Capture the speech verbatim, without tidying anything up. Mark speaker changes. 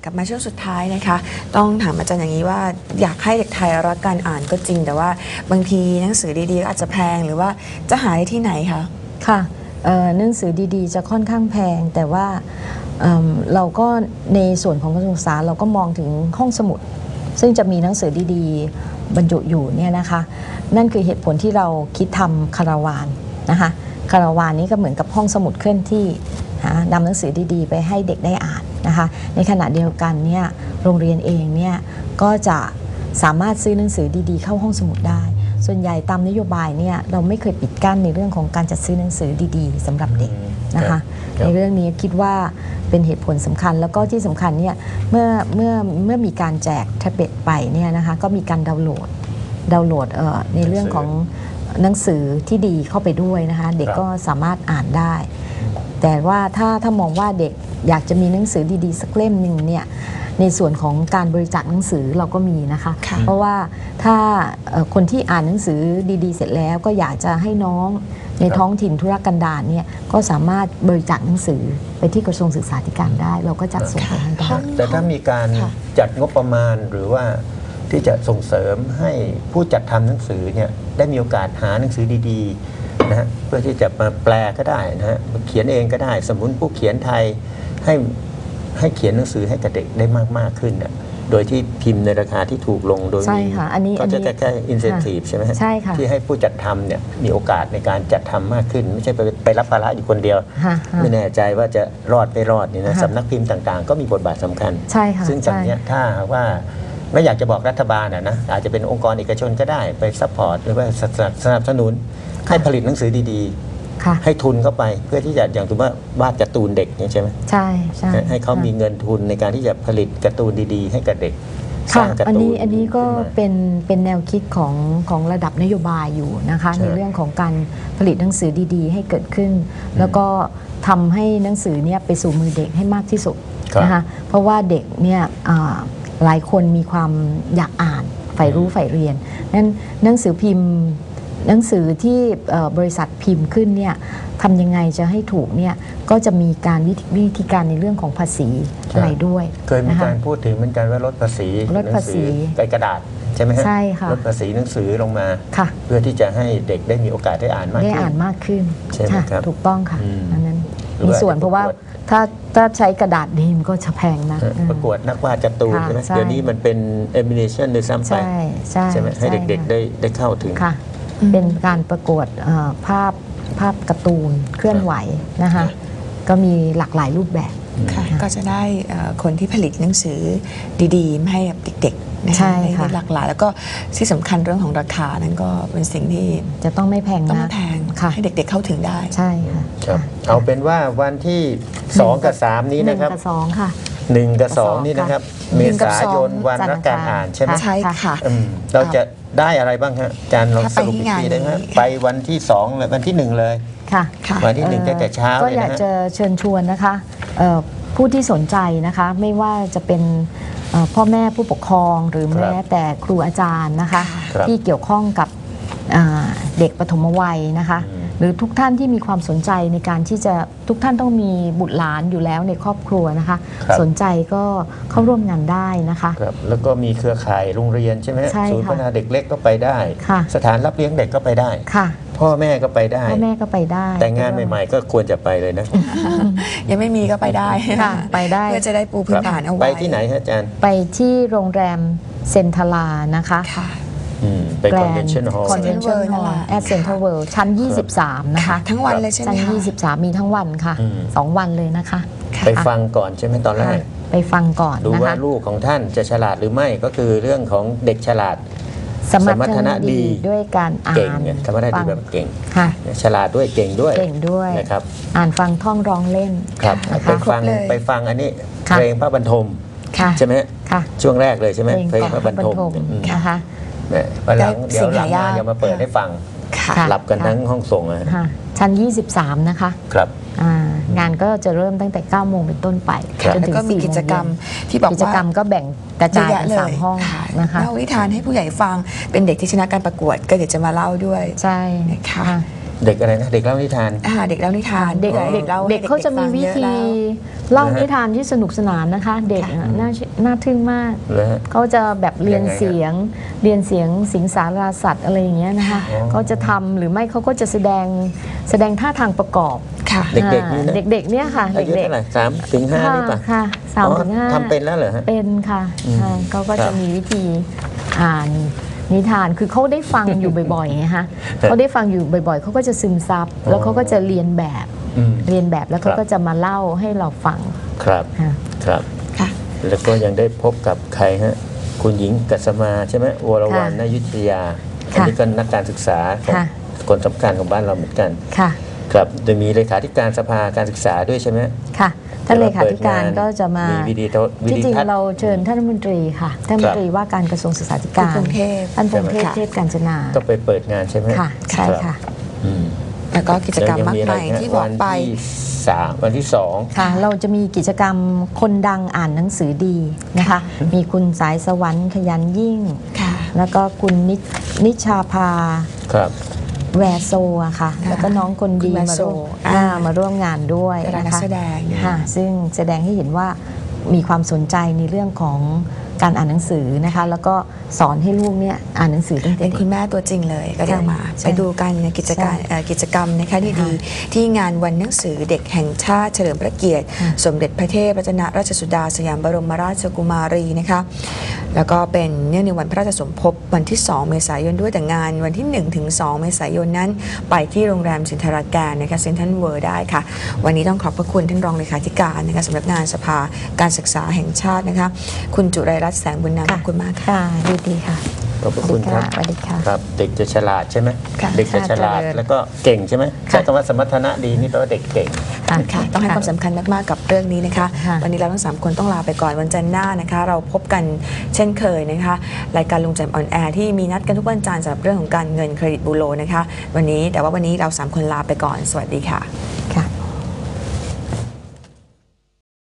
Speaker 1: กลับมาช่วงสุดท้ายนะคะต้องถามอาจารย์อย่างนี้ว่าอยากให้เด็กไทยรักการอ่านก็จริงแต่ว่าบางทีหนังสือดีๆก็อาจจะแพงหรือว่าจะหาได้ที่ไหนคะ
Speaker 2: ค่ะหนังสือดีๆจะค่อนข้างแพงแต่ว่าเเราก็ในส่วนของกระทรวงศึกษาเราก็มองถึงห้องสมุดซึ่งจะมีหนังสือดีๆบรรจุอยู่เนี่ยนะคะนั่นคือเหตุผลที่เราคิดทำคาราวานนะคะคาราวานนี้ก็เหมือนกับห้องสมุดเคลื่อนที่นำหนังสือดีๆไปให้เด็กได้อ่านนะคะในขณะเดียวกันเนี่ยโรงเรียนเองเนี่ยก็จะสามารถซื้อหนังสือดีๆเข้าห้องสมุดได้ส่วนใหญ่ตามนโยบายเนี่ยเราไม่เคยปิดกั้นในเรื่องของการจัดซื้อหนังสือดีๆสำหรับเด็กนะคะในเรื่องนี้คิดว่าเป็นเหตุผลสำคัญแล้วก็ที่สำคัญเนี่ยเมื่อเมื่อเมื่อมีการแจกแท็บเล็ตไปเนี่ยนะคะก็มีการดาวน์โหลดดาวน์โหลดเอ่อในเรื่องของหนังสือที่ดีเข้าไปด้วยนะคะเด็กก็สามารถอ่านได้แต่ว่าถ้าถ้ามองว่าเด็กอยากจะมีหนังสือดีๆสักเล่มหนึ่งเนี่ยในส่วนของการบริจาคหนังสือเราก็มีนะคะเพราะว่าถ้าคนที่อ่านหนังสือดีๆเสร็จแล้วก็อยากจะให้น้องในท้องถิ่นธุรกันดารเนี่ยก็สามารถบริจาคหนังสือไปที่กระทรวงศึกษาธิการได้เราก็จัดส่งไปให้ได้
Speaker 3: แต่ถ้ามีการจัดงบประมาณหรือว่าที่จะส่งเสริมให้ผู้จัดทำหนังสือเนี่ยได้มีโอกาสหาหนังสือดีๆนะฮะเพื่อที่จะมาแปลก็ได้นะฮะเขียนเองก็ได้สมมุติผู้เขียนไทยให้ให้เขียนหนังสือให้กับเด็กได้มากมากขึ้นนะโดยที่พิมพ์ในราคาที่ถูกลงโดยมีก็จะแค่อินเซนทีฟใช่ไหม
Speaker 2: ใช่ค่ะ
Speaker 3: ที่ให้ผู้จัดทำเนี่ยมีโอกาสในการจัดทำมากขึ้นไม่ใช่ไปไปรับภาระอยู่คนเดียวไม่แน่ใจว่าจะรอดไม่รอดนี่นะสำนักพิมพ์ต่างๆก็มีบทบาทสำคัญ
Speaker 2: ใช่ค่ะ
Speaker 3: ซึ่งจากนี้ถ้าว่าไม่อยากจะบอกรัฐบาลนะอาจจะเป็นองค์กรเอกชนก็ได้ไปซัพพอร์ตหรือว่าสนับสนุนให้ผลิตหนังสือดีๆให้ทุนเข้าไปเพื่อที่จะอย่างตัวว่าวาดการ์ตูนเด็กใช่ไหม
Speaker 2: ใช่ใช่
Speaker 3: ให้เขามีเงินทุนในการที่จะผลิตการ์ตูนดีๆให้กับเด็ก
Speaker 2: ค่ะอันนี้อันนี้ก็เป็นเป็นแนวคิดของของระดับนโยบายอยู่นะคะในเรื่องของการผลิตหนังสือดีๆให้เกิดขึ้นแล้วก็ทำให้หนังสือเนี่ยไปสู่มือเด็กให้มากที่สุดนะคะเพราะว่าเด็กเนี่ยหลายคนมีความอยากอ่านใฝ่รู้ใฝ่เรียนนั้นหนังสือพิมพ์หนังสือที่บริษัทพิมพ์ขึ้นเนี่ยทำยังไงจะให้ถูกเนี่ยก็จะมีการวิธีการในเรื่องของภาษีอะไรด้วย
Speaker 3: เคยมีการพูดถึงเหมือนกันว่าลดภาษี
Speaker 2: ลดภาษี
Speaker 3: กระดาษใช่ไหมฮะ
Speaker 2: ใช่ค่ะ
Speaker 3: ลดภาษีหนังสือลงมาเพื่อที่จะให้เด็กได้มีโอกาสได้อ่านมากขึ้น
Speaker 2: ได้อ่านมากขึ้น
Speaker 3: ใช่ไหมครับ
Speaker 2: ถูกต้องค่ะอันนั้นมีส่วนเพราะว่าถ้าถ้าใช้กระดาษดีมันก็จะแพงนะ
Speaker 3: ประกวดนักวาดการ์ตูนใช่ไหมเดี๋ยวนี้มันเป็นแอนิเมชันโดยซ้ำไปใช่ไหมให้เด็กๆได้ได้เข้าถึง
Speaker 2: เป็นการประกวดภาพภาพการ์ตูนเคลื่อนไหวนะคะก็มีหลากหลายรูปแบบ
Speaker 1: ก็จะได้คนที่ผลิตหนังสือดีๆมาให้กับเด็กๆนะคะได้หลากหลายแล้วก็ที่สำคัญเรื่องของราคานั้นก็เป็นสิ่งที่
Speaker 2: จะต้องไม่แพงนะ
Speaker 1: ต้องไม่แพงให้เด็กๆเข้าถึงได้
Speaker 2: ใช่ค่ะ
Speaker 3: เอาเป็นว่าวันที่สองกับสามนี้นะครับ
Speaker 2: หนึ่งกับสองค่ะ
Speaker 3: หนึ่งกับสองนี่นะครับเมษายนวันรักการอ่านใช่ไหม
Speaker 1: ใช่ค่ะ
Speaker 3: เราจะได้อะไรบ้างฮะอาจารย์ลองสรุปอีกทีได้ไหมไปวันที่สองเลยวันที่หนึ่งเลย
Speaker 2: ค่ะ
Speaker 3: วันที่หนึ่งแต่เช้า
Speaker 2: ก็อยากจะเชิญชวนนะคะผู้ที่สนใจนะคะไม่ว่าจะเป็นพ่อแม่ผู้ปกครองหรือแม้แต่ครูอาจารย์นะคะที่เกี่ยวข้องกับเด็กปฐมวัยนะคะหรือทุกท่านที่มีความสนใจในการที่จะทุกท่านต้องมีบุตรหลานอยู่แล้วในครอบครัวนะคะสนใจก็เข้าร่วมงานได้นะคะ
Speaker 3: แล้วก็มีเครือข่ายโรงเรียนใช่ไหมศูนย์พัฒนาเด็กเล็กก็ไปได้สถานรับเลี้ยงเด็กก็ไปได้พ่อแม่ก็ไปได้
Speaker 2: พ่อแม่ก็ไปได้
Speaker 3: แต่งานใหม่ๆก็ควรจะไปเลยนะ
Speaker 1: ยังไม่มีก็ไปได้
Speaker 2: ไปได้
Speaker 1: เพื่อจะได้ปูพื้นฐานเอาไว้
Speaker 3: ไปที่ไหนฮะอาจารย์
Speaker 2: ไปที่โรงแรมเซนทรานะคะ
Speaker 3: ไปคอนเวนชั่นฮอลล์
Speaker 2: คอนเวนชั่นฮอลล์แอดเซ็นทรัลเวิลด์ชั้นยี่สิบสามนะคะ
Speaker 1: ทั้งวันเลยใช่ไหม
Speaker 2: ชั้นยี่สิบสามมีทั้งวันค่ะสองวันเลยนะคะ
Speaker 3: ไปฟังก่อนใช่ไหมตอนแรก
Speaker 2: ไปฟังก่อน
Speaker 3: ดูว่าลูกของท่านจะฉลาดหรือไม่ก็คือเรื่องของเด็กฉลาด
Speaker 2: สมรรถนะดีด้วยการอ่าน
Speaker 3: เก่งสมรรถนะดีแบบเก่งฉลาดด้วยเก่งด้วย
Speaker 2: เก่งด้วย
Speaker 3: นะครับ
Speaker 2: อ่านฟังท่องร้องเล่น
Speaker 3: ครับไปฟังไปฟังอันนี้เพลงพระบรรทมใช่ไหมช่วงแรกเลยใช่ไหมเพลงพระบรรทม
Speaker 2: นะคะ
Speaker 3: วันหลังเดี๋ยวหลังมาเดี๋ยวมาเปิดให้ฟังหลับกันทั้งห้องส่งเลย
Speaker 2: ชั้นยี่สิบสามนะคะ
Speaker 3: ครับ
Speaker 2: งานก็จะเริ่มตั้งแต่เก้าโมงเป็นต้นไป
Speaker 1: จนถึงสี่โมงกิจกรรมที่บอกว่า
Speaker 2: กิจกรรมก็แบ่งกระจายเป็นสามห้องนะคะ
Speaker 1: เล่านิทานให้ผู้ใหญ่ฟังเป็นเด็กที่ชนะการประกวดก็เดี๋ยวจะมาเล่าด้วย
Speaker 2: ใช่
Speaker 1: นะคะ
Speaker 3: เด็กอะไรนะเด็กเล่านิทาน
Speaker 1: อ่าเด็กเล่านิทาน
Speaker 2: เด็ก
Speaker 1: พื่อ
Speaker 2: เด็ก
Speaker 1: ล่
Speaker 2: เด็กเขาจะมีวิธี
Speaker 1: ฟังเยอะ
Speaker 2: เล่า
Speaker 3: นะฮะ
Speaker 2: นิทานที่สนุกสนานนะคะ เด็ก
Speaker 1: ค่ะ
Speaker 2: อะน่าน่าทึ่งมาก
Speaker 3: เลยฮะ
Speaker 2: เขาจะแบบเรียน
Speaker 3: ยังไงฮะ
Speaker 2: เสียงเรียนเสียงสิงสาราสัตว์อะไรอย่างเงี้ยนะคะ
Speaker 3: อ๋อ
Speaker 2: เขาจะทำหรือไม่เขาก็จะแสดงแสดงท่าทางประกอบ
Speaker 1: ค่ะ
Speaker 3: เด็กๆนี่นะ
Speaker 2: อ่าเด็กๆเนี่ยค่ะ
Speaker 3: อายุ
Speaker 2: เด็ก
Speaker 3: เท่าไหร่สามถึงห้า
Speaker 2: ค่ะ
Speaker 3: นี่ป่ะ
Speaker 2: ค่ะสามถึงห้า
Speaker 3: อ๋อทำเป็นแล้วเหรอฮะ
Speaker 2: เป็นค่ะ
Speaker 3: อืม
Speaker 2: อ่าเขาก็
Speaker 3: ครั
Speaker 2: จะ
Speaker 3: บ
Speaker 2: มีวิธีอ่านนิทานคือเขาได้ฟังอยู่บ่อยๆไงฮะเขาได้ฟังอยู่บ่อยๆเขาก็จะซึมซับแล้วเขาก็จะเรียนแบบ
Speaker 3: อืม
Speaker 2: เรียนแบบแล้วเขา
Speaker 3: ครับ
Speaker 2: ก็จะมาเล่าให้เราฟัง
Speaker 3: ครับ
Speaker 2: ค่ะ
Speaker 3: ครับ
Speaker 1: ค่ะ
Speaker 3: แล้วก็ยังได้พบกับใครฮะคุณหญิงกัสมาใช่ไหมวรวรรณ
Speaker 2: ค่ะ
Speaker 3: นายุทธยา
Speaker 2: ค่ะ
Speaker 3: อันนี้ก็นักการศึกษาของ
Speaker 2: ค่ะ
Speaker 3: คนสำคัญของบ้านเราเหมือนกัน
Speaker 2: ค่ะ
Speaker 3: ครับจะมีเลขาธิการสภาการศึกษาด้วยใช่ไหม
Speaker 2: ค่ะท่านเลขาธิการก็จะมา
Speaker 3: วิดีโอวิ
Speaker 2: จ
Speaker 3: ดี
Speaker 2: ริง
Speaker 3: ทัศน์
Speaker 2: ๆเราเชิญท่านรัฐมนตรีค่ะท่านรัฐมนตรีว่าการกระทรวงศึกษาธิการ
Speaker 1: คุณพงเทพ
Speaker 2: ท่านพงเทพ
Speaker 1: ใช่ไหม
Speaker 2: เทพกาญจนา
Speaker 3: ก็ไปเปิดงานใช่ไหม
Speaker 2: ค่ะใช่
Speaker 3: รับ
Speaker 2: ค่ะ
Speaker 3: อืม
Speaker 1: แล้วก็กิจกรรมมาก
Speaker 3: แล้ว
Speaker 1: มาย
Speaker 3: งะ
Speaker 1: ที่บอกไป
Speaker 3: วันที่สามวันที่สอง
Speaker 2: ค่ะ เราจะมีกิจกรรมคนดังอ่านหนังสือดีนะคะ มีคุณสายสวรรค์ขยันยิ่ง
Speaker 1: ค่ะ
Speaker 2: แล้วก็คุณนินิชาภา
Speaker 3: ครับ
Speaker 2: แวโซอะค่ะ
Speaker 1: ค่ะ
Speaker 2: แล้วก็น้องคนดี
Speaker 1: คุณแว
Speaker 2: มา
Speaker 1: โซ
Speaker 2: ร่วม
Speaker 1: อ่า
Speaker 2: อ่ามาร่วมงานด้วย
Speaker 1: เป็นนั
Speaker 2: นะ
Speaker 1: ก
Speaker 2: คะ
Speaker 1: แสดง
Speaker 2: ค่ะ ซึ่งแสดงให้เห็นว่ามีความสนใจในเรื่องของการอ่านหนังสือนะคะ แล้วก็สอนให้ลูกเนี่ยอ่านหนังสือตั้งแต่
Speaker 1: เป็น
Speaker 2: เด็
Speaker 1: คุ
Speaker 2: ก
Speaker 1: ณแม่ตัวจริงเลยก็เดี๋ยวมา
Speaker 2: ใช่
Speaker 1: ไปดูกันในกิจการ
Speaker 2: ใช่
Speaker 1: เอ่อกิจกรรมนะคะดีๆที่งานวันหนังสือเด็กแห่งชาติเฉลิมพระเกียรติ
Speaker 2: ค่ะ
Speaker 1: สมเด็จพระเทพรัตนราชสุดาสยามบรมราชกุมารีนะคะแล้วก็เป็นเนื่องในวันพระราชสมภพวันที่ สอง เมษายนด้วยแต่งานวันที่ หนึ่งถึงสอง เมษายนนั้น ไปที่โรงแรมสินทราการนะคะเซ็นทรัลเวิลด์ได้ค่ะ วันนี้ต้องขอบพระคุณท่านรองเลขาธิการนะคะสำนักงานสภาการศึกษาแห่งชาตินะคะคุณจุไรรัตน์แสงบุญนามขอบคุณมากค่ะ
Speaker 2: ค่ะดีดีค่ะ
Speaker 3: ขอบพระคุณครับ
Speaker 2: สวัสดีค่ะ
Speaker 3: ครับ เด็กจะฉลาดใช่ไหม
Speaker 1: ค่ะ
Speaker 3: เด็กจะฉลาด
Speaker 2: ค่ะเจริญ
Speaker 3: แล้วก็เก่งใช่ไหม
Speaker 2: ค่ะ
Speaker 3: ใช้คำว่าสมรรถนะดีนี่แปลว่าเด็กเก่ง
Speaker 1: ค่ะต้องให้ความสำคัญมาก ๆ กับเรื่องนี้นะคะ
Speaker 2: ค่ะ
Speaker 1: วันนี้เราทั้งสามคนต้องลาไปก่อนวันจันทร์หน้านะคะ เราพบกันเช่นเคยนะคะ รายการลุงแจมออนแอร์ที่มีนัดกันทุกวันจันทร์สำหรับเรื่องของการเงินเครดิตบูโรนะคะ วันนี้แต่ว่าวันนี้เราสามคนลาไปก่อนสวัสดีค่ะ